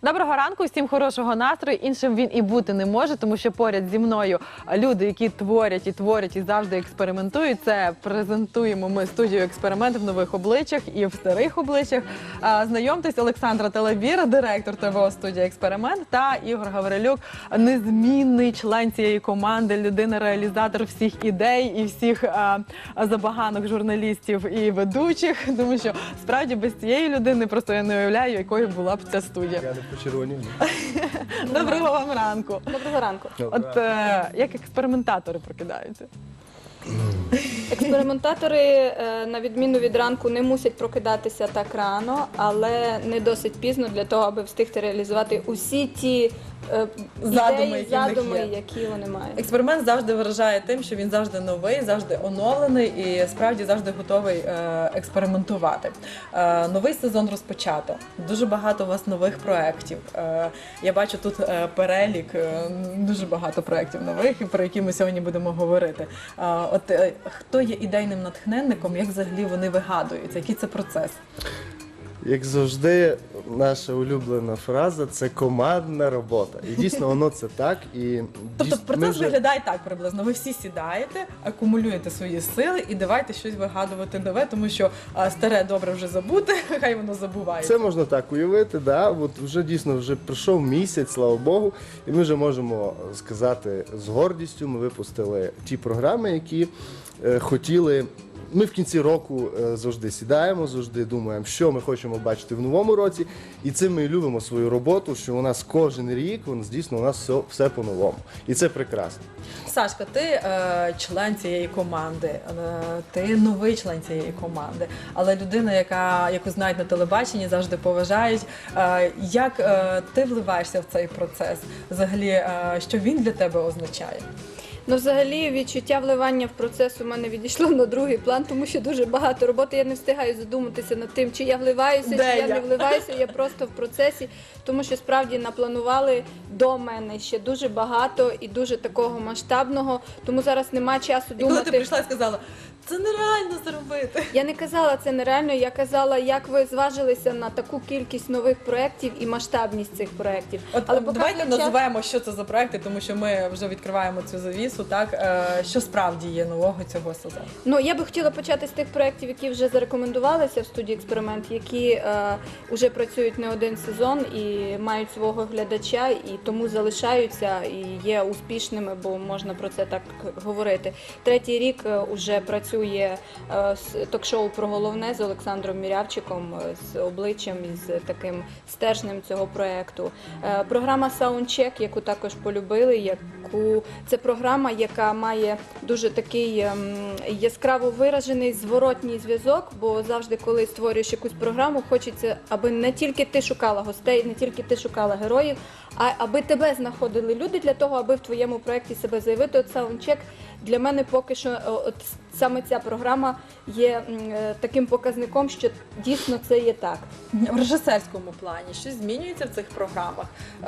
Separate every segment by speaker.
Speaker 1: Доброго ранку, всім хорошого настрою. Іншим він і бути не може, тому що поряд зі мною люди, які творять і завжди експериментують. Це презентуємо ми студію «Експеримент» в нових обличчях і в старих обличчях. Знайомтесь, Олександра Телебіра, директор ТВО студії «Експеримент», та Ігор Гаврилюк, незмінний член цієї команди, людина-реалізатор всіх ідей і всіх забаганок журналістів і ведучих. Тому що справді без цієї людини просто я не уявляю, якою була б ця студія.
Speaker 2: Почервонів.
Speaker 1: Доброго вам ранку.
Speaker 3: Доброго ранку.
Speaker 1: От як експериментатори прокидаються?
Speaker 3: Експериментатори, на відміну від ранку, не мусять прокидатися так рано, але не досить пізно для того, аби встигти реалізувати усі ті задуми, які вони мають.
Speaker 1: Експеримент завжди вражає тим, що він завжди новий, завжди оновлений і справді завжди готовий експериментувати. Новий сезон розпочато. Дуже багато у вас нових проєктів. Я бачу тут перелік, дуже багато проєктів нових, про які ми сьогодні будемо говорити. От хто є ідейним натхненником, як взагалі вони вигадуються, який це процес?
Speaker 2: Як завжди, наша улюблена фраза – це командна робота. І дійсно воно це так.
Speaker 1: Тобто процес виглядає так приблизно. Ви всі сідаєте, акумулюєте свої сили і давайте щось вигадувати нове, тому що старе добре вже забути, хай воно забувається.
Speaker 2: Це можна так уявити, да. От вже дійсно вже пройшов місяць, слава Богу, і ми вже можемо сказати з гордістю, ми випустили ті програми, які хотіли. Ми в кінці року завжди сідаємо, завжди думаємо, що ми хочемо бачити в новому році. І цим ми любимо свою роботу, що у нас кожен рік, дійсно, у нас все по-новому. І це прекрасно.
Speaker 1: Сашка, ти член цієї команди, ти новий член цієї команди, але людина, яку знають на телебаченні, завжди поважають. Як ти вливаєшся в цей процес? Взагалі, що він для тебе означає?
Speaker 3: Ну, взагалі, відчуття вливання в процес у мене відійшло на другий план, тому що дуже багато роботи. Я не встигаю задуматися над тим, чи я вливаюся, чи я не вливаюся. Я просто в процесі, тому що справді напланували до мене ще дуже багато і дуже такого масштабного, тому зараз немає часу думати.
Speaker 1: І коли ти прийшла і сказала, це нереально зробити.
Speaker 3: Я не казала, це нереально, я казала, як ви зважилися на таку кількість нових проєктів і масштабність цих проєктів.
Speaker 1: Але давайте називаємо, що це за проєкти, тому що ми вже відкриваємо цю завісу, так? Що справді є нового цього сезону?
Speaker 3: Ну, я би хотіла почати з тих проєктів, які вже зарекомендувалися в студії «Експеримент», які вже працюють не один сезон і мають свого глядача, і тому залишаються і є успішними, бо можна про це так говорити. Третій рік вже працює ток-шоу про головне з Олександром Мірявчиком, з обличчям і з таким стержнем цього проєкту. Програма «Саундчек», яку також полюбили, це програма, яка має дуже такий яскраво виражений зворотній зв'язок, бо завжди, коли створюєш якусь програму, хочеться, аби не тільки ти шукала гостей, не тільки ти шукала героїв, а аби тебе знаходили люди для того, аби в твоєму проєкті себе заявити. От «Саундчек» для мене поки що, от саме ця програма є таким показником, що дійсно це є так.
Speaker 1: В режисерському плані щось змінюється в цих програмах?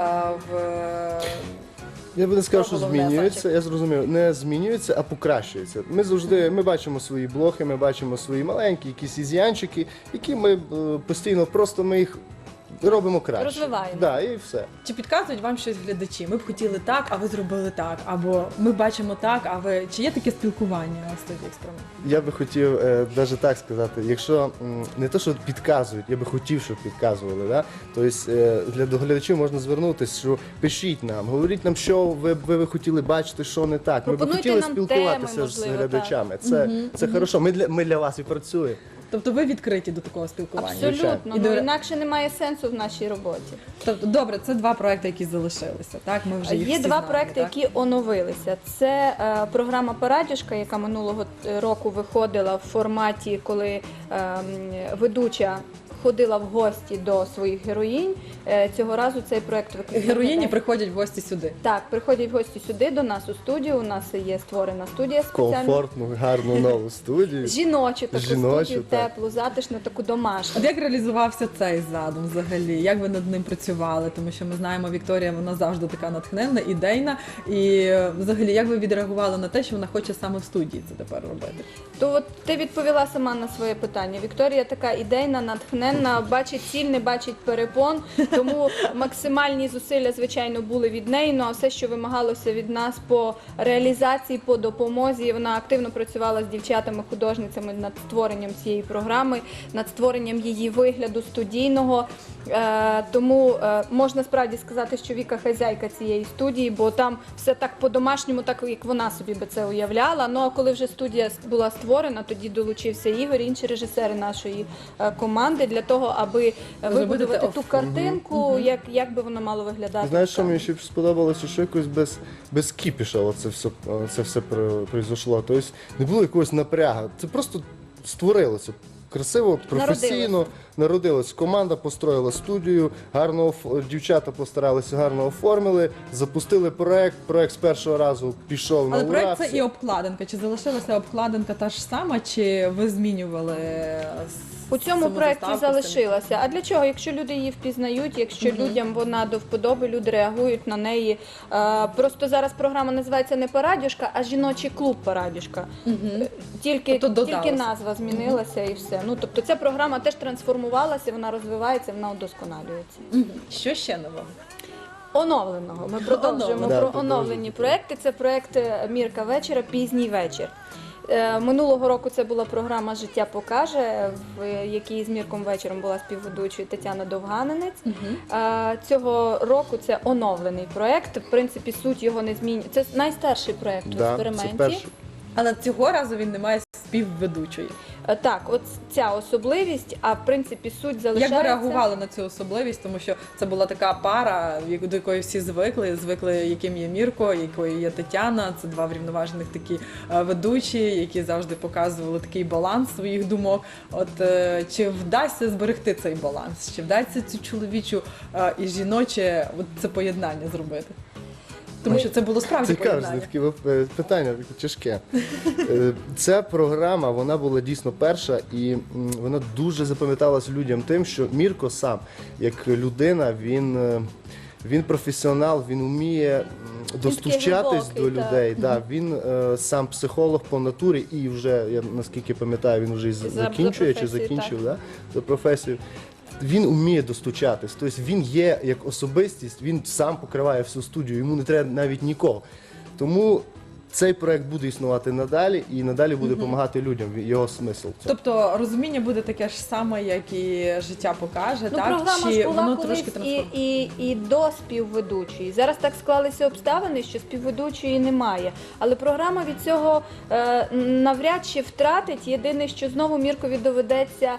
Speaker 2: Я би не сказав, що змінюється, я зрозумів, не змінюється, а покращується. Ми бачимо свої блоки, ми бачимо свої маленькі якісь ізянчики, які ми постійно, просто ми їх робимо краще.
Speaker 3: Розвиваємо.
Speaker 2: Да, і все.
Speaker 1: Чи підказують вам щось глядачі? Ми б хотіли так, а ви зробили так. Або ми бачимо так, а ви... Чи є таке спілкування в студії «Експеримент»?
Speaker 2: Я би хотів навіть так сказати, якщо не те, що підказують, я би хотів, щоб підказували. Да? Тобто до глядачів можна звернутися, що пишіть нам, говоріть нам, що ви хотіли бачити, що не так. Ми б хотіли спілкуватися
Speaker 3: теми,
Speaker 2: з глядачами. Це хорошо, ми для вас і працюємо.
Speaker 1: Тобто ви відкриті до такого спілкування?
Speaker 3: Абсолютно. Інакше немає сенсу в нашій роботі.
Speaker 1: Тобто, добре, це два проекти, які залишилися, так? Ми вже їх
Speaker 3: Є
Speaker 1: всі
Speaker 3: два
Speaker 1: знаємо,
Speaker 3: проекти,
Speaker 1: так?
Speaker 3: які оновилися. Це програма «Парадюшка», яка минулого року виходила в форматі, коли ведуча ходила в гості до своїх героїнь. Цього разу цей проект виконує.
Speaker 1: Героїні приходять в гості сюди.
Speaker 3: Так, приходять в гості сюди, до нас у студію. У нас є створена студія спеціальна.
Speaker 2: Комфортну, гарну нову студію.
Speaker 3: Жіночу таку студію,
Speaker 2: так.
Speaker 3: теплу, затишну, таку домашню.
Speaker 1: От як реалізувався цей задум взагалі? Як ви над ним працювали? Тому що ми знаємо, Вікторія, вона завжди така натхненна, ідейна. І взагалі, як ви відреагували на те, що вона хоче саме в студії це тепер робити?
Speaker 3: То от ти відповіла сама на своє питання. Вікторія така ідейна, натхненна, натхненна, бачить ціль, не бачить перепон. Тому максимальні зусилля, звичайно, були від неї. Ну а все, що вимагалося від нас по реалізації, по допомозі, вона активно працювала з дівчатами-художницями над створенням цієї програми, над створенням її вигляду студійного. Тому можна справді сказати, що Віка хазяйка цієї студії, бо там все так по-домашньому, так як вона собі би це уявляла. Ну а коли вже студія була створена, тоді долучився Ігор, інші режисери нашої команди для того, аби вибудувати ту картинку, як би воно мало виглядати.
Speaker 2: Знаєш, що мені ще сподобалося, що якось без кіпіша це все произошло. Тобто не було якогось напрягу. Це просто створилося. Красиво, професійно народилось. Команда построїла студію, дівчата постаралися, гарно оформили, запустили проект з першого разу пішов на
Speaker 4: Але
Speaker 2: ура.
Speaker 4: проект це і обкладинка. Чи залишилася обкладинка та ж сама, чи ви змінювали
Speaker 3: У цьому
Speaker 4: саму
Speaker 3: проєкті
Speaker 4: заставку,
Speaker 3: залишилася. А для чого? Якщо люди її впізнають, якщо людям вона до вподоби, люди реагують на неї. Просто зараз програма називається не «Парадюшка», а «Жіночий клуб Парадюшка». Тільки
Speaker 4: Тобто додалося.
Speaker 3: назва змінилася і все. Ну, тобто ця програма теж трансформувалася, вона розвивається, вона удосконалюється.
Speaker 4: Що ще нового?
Speaker 3: Оновленого. Ми продовжуємо
Speaker 2: Да,
Speaker 3: про оновлені проекти. Це проект «Мірка вечора. Пізній вечір». Минулого року це була програма «Життя покаже», в якій з Мірком вечором була співведучою Тетяна Довганенець. Цього року це оновлений проект. В принципі, суть його не змінює. Це найстарший проект у
Speaker 2: Це
Speaker 3: експерименті.
Speaker 2: перший.
Speaker 4: Але цього разу він не має співведучої.
Speaker 3: Так, от ця особливість, а в принципі суть залишається.
Speaker 4: Як ви реагували на цю особливість? Тому що це була така пара, до якої всі звикли, яким є Мірко, якою є Тетяна. Це два врівноважених такі ведучі, які завжди показували такий баланс своїх думок. От чи вдасться зберегти цей баланс? Чи вдасться цю чоловічу і жіноче це поєднання зробити? Тому що це було справді
Speaker 2: Цікаве,
Speaker 4: поєднання.
Speaker 2: таке питання таке тяжке. Ця програма, вона була дійсно перша, і вона дуже запам'яталась людям тим, що Мірко сам, як людина, він професіонал, він вміє достучатись
Speaker 3: глибокий,
Speaker 2: до людей. Да, він сам психолог по натурі і вже, я наскільки пам'ятаю, він вже закінчує чи
Speaker 3: професією,
Speaker 2: закінчив за професією. Він вміє достучатись, тобто він є як особистість, він сам покриває всю студію, йому не треба навіть нікого. Тому цей проект буде існувати надалі і надалі буде допомагати людям, його смисл. в цьому.
Speaker 4: Тобто розуміння буде таке ж саме, як і життя покаже,
Speaker 3: Ну,
Speaker 4: так?
Speaker 3: програма
Speaker 4: Чи
Speaker 3: ж була
Speaker 4: воно
Speaker 3: колись
Speaker 4: трошки трансформується?
Speaker 3: і до співведучої. Зараз так склалися обставини, що співведучої немає. Але програма від цього навряд чи втратить. Єдине, що знову Міркові доведеться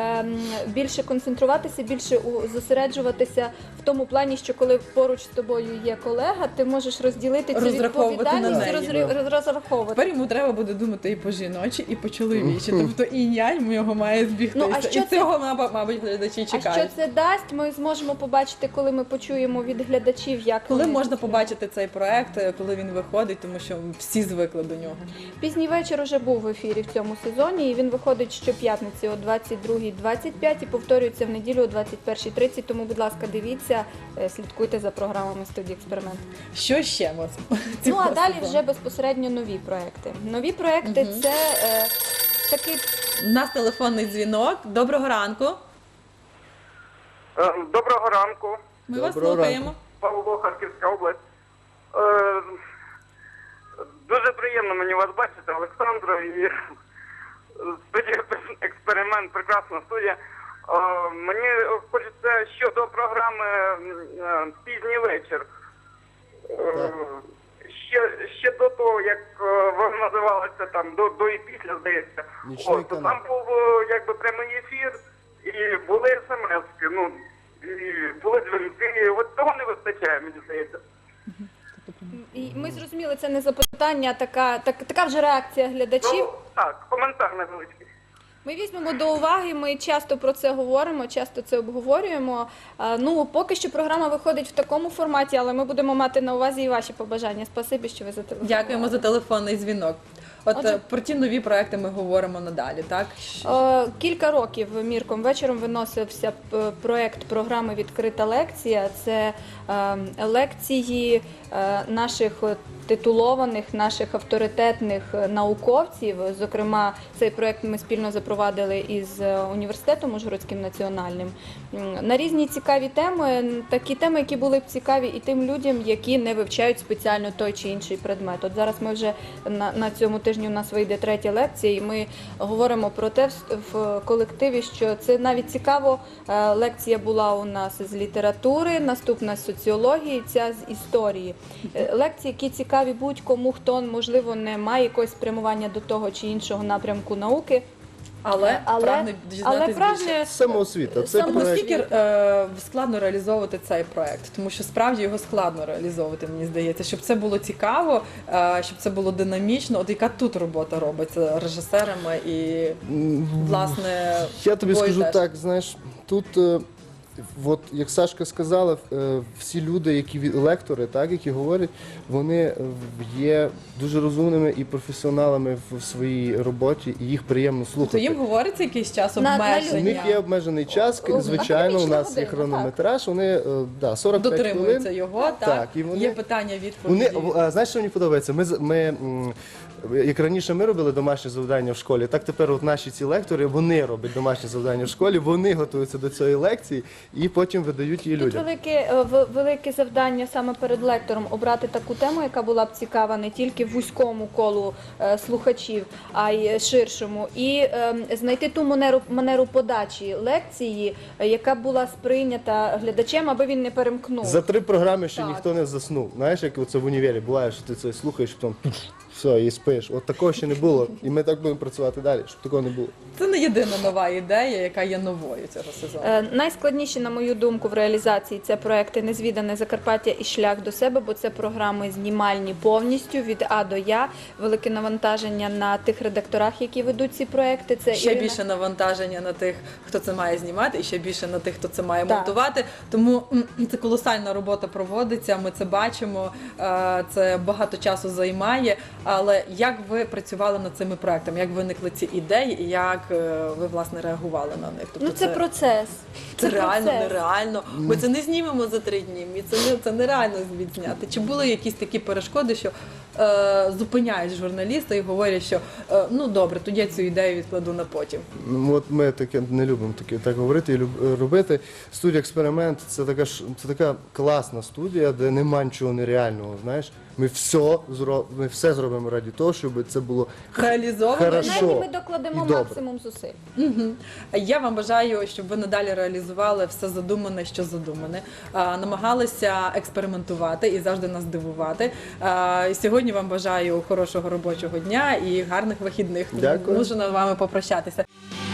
Speaker 3: більше концентруватися, більше зосереджуватися в тому плані, що коли поруч з тобою є колега, ти можеш розділити цю
Speaker 4: Розраховувати на
Speaker 3: відповідальність,
Speaker 4: неї.
Speaker 3: розраховувати.
Speaker 4: Тепер йому треба буде думати і по жіночі, і по чоловічі. Тобто і інь-янь його має збігтися.
Speaker 3: Ну, а що
Speaker 4: і
Speaker 3: це-
Speaker 4: цього, мабуть, глядачі
Speaker 3: А що
Speaker 4: чекають.
Speaker 3: це дасть, ми зможемо побачити, коли ми почуємо від глядачів, як
Speaker 4: Коли
Speaker 3: вони
Speaker 4: можна
Speaker 3: це
Speaker 4: побачити цей проект, коли він виходить, тому що всі звикли до нього.
Speaker 3: Пізній вечір уже був в ефірі в цьому сезоні, і він виходить щоп'ятниці о 22:25 і повторюється в неділю о 21:30. Тому, будь ласка, дивіться, слідкуйте за програмами студії «Експеримент».
Speaker 4: Що ще ми
Speaker 3: Ну,
Speaker 4: цього
Speaker 3: а далі
Speaker 4: сезону?
Speaker 3: вже безпосередньо нові проекти. Нові проекти – це такий...
Speaker 4: У нас телефонний дзвінок. Доброго ранку.
Speaker 5: Доброго ранку,
Speaker 4: Ми вас
Speaker 2: Доброго
Speaker 4: слухаємо.
Speaker 5: Павло, Харківська область. Дуже приємно мені вас бачити, Олександро, і студія «Експеримент», прекрасна студія. Мені хочеться щодо програми «Пізній вечір». Ще до того, як вона називалася там, до і після, здається.
Speaker 2: Нічний
Speaker 5: То
Speaker 2: канал.
Speaker 5: там був якби прямий ефір, і були смс-ки, ну, і були дзвінки. От того не вистачає, мені здається.
Speaker 3: І ми зрозуміли, це не запитання, а така вже реакція глядачів.
Speaker 5: Ну, так, коментар невеличкий.
Speaker 3: Ми візьмемо до уваги, ми часто про це говоримо, часто це обговорюємо. Ну, поки що програма виходить в такому форматі, але ми будемо мати на увазі і ваші побажання. Спасибі, що ви зателефонували.
Speaker 4: Дякуємо за телефонний дзвінок. От
Speaker 3: Отже-
Speaker 4: про ті нові проекти ми говоримо надалі, так?
Speaker 3: Кілька років Мірком вечором виносився проект програми «Відкрита лекція». Це лекції наших титулованих наших авторитетних науковців. Зокрема, цей проект ми спільно запровадили із університетом Ужгородським національним на різні цікаві теми, такі теми, які були б цікаві і тим людям, які не вивчають спеціально той чи інший предмет. От зараз ми вже на цьому тижні у нас вийде 3-я лекція, і ми говоримо про те в колективі, що це навіть цікаво. Лекція була у нас з літератури, наступна з соціології, ця з історії. Лекції, які цікаві будь-кому, хто, можливо, не має якогось спрямування до того чи іншого напрямку науки.
Speaker 4: Але прагне дізнатись більше.
Speaker 2: Самоосвіта. Це
Speaker 3: Самоосвіта.
Speaker 2: проект.
Speaker 4: Наскільки складно реалізовувати цей проект? Тому що справді його складно реалізовувати, мені здається, щоб це було цікаво, щоб це було динамічно. От яка тут робота робиться режисерами і, власне,
Speaker 2: Я тобі
Speaker 4: тобою
Speaker 2: скажу
Speaker 4: теж?
Speaker 2: так, знаєш, тут, от, як Сашка сказала, всі люди, лектори, так, які говорять, вони є дуже розумними і професіоналами в своїй роботі, і їх приємно
Speaker 4: То
Speaker 2: слухати.
Speaker 4: їм говориться якийсь час
Speaker 3: На
Speaker 4: обмеження?
Speaker 2: У них є обмежений час, звичайно, у
Speaker 3: академічна
Speaker 2: нас є
Speaker 3: година,
Speaker 2: хронометраж, вони 45
Speaker 4: Дотримуються
Speaker 2: хвилин.
Speaker 4: його, так?
Speaker 2: Так, і вони-
Speaker 4: Є питання, відповіді.
Speaker 2: Знаєш, що мені подобається? Як раніше ми робили домашні завдання в школі, так тепер от наші ці лектори, вони роблять домашні завдання в школі, вони готуються до цієї лекції і потім видають її
Speaker 3: Тут
Speaker 2: людям.
Speaker 3: велике завдання саме перед лектором обрати таку тему, яка була б цікава не тільки вузькому колу слухачів, а й ширшому, і знайти ту манеру подачі лекції, яка була сприйнята глядачем, аби він не перемкнув.
Speaker 2: За 3 програми ще
Speaker 3: Так.
Speaker 2: ніхто не заснув. Знаєш, як це в універі буває, що ти це слухаєш, потім все, і спиш. От такого ще не було. І ми так будемо працювати далі, щоб такого не було.
Speaker 4: Це не єдина нова ідея, яка є новою цього сезону.
Speaker 3: Найскладніші, на мою думку, в реалізації це проекти «Незвідане Закарпаття» і «Шлях до себе», бо це програми знімальні повністю від А до Я. Велике навантаження на тих редакторах, які ведуть ці проекти. Це
Speaker 4: Ще
Speaker 3: Ірина-
Speaker 4: більше навантаження на тих, хто це має знімати, і ще більше на тих, хто це має
Speaker 3: Так.
Speaker 4: монтувати. Тому це колосальна робота проводиться. Ми це бачимо. Це багато часу займає. Але як ви працювали над цими проектами? Як виникли ці ідеї, і як ви власне реагували на них? Тобто
Speaker 3: Ну, це процес.
Speaker 4: це реально,
Speaker 3: процес.
Speaker 4: нереально. Ми це не знімемо за 3 дні. Це нереально відзняти. Чи були якісь такі перешкоди, що зупиняють журналіста і говорять, що ну добре, тоді я цю ідею відкладу на потім?
Speaker 2: Ну, от ми таке не любимо так говорити і робити. Студія «Експеримент» – це така класна студія, де нема нічого нереального, знаєш. Ми все зробимо раді того, щоб це було
Speaker 4: Реалізовано.
Speaker 2: Хорошо.
Speaker 3: Принаймні ми докладемо
Speaker 2: І добре.
Speaker 3: максимум зусиль.
Speaker 4: Я вам бажаю, щоб ви надалі реалізували все задумане, що задумане, намагалися експериментувати і завжди нас дивувати. Сьогодні вам бажаю хорошого робочого дня і гарних вихідних.
Speaker 2: Дякую.
Speaker 4: Мушу з вами попрощатися.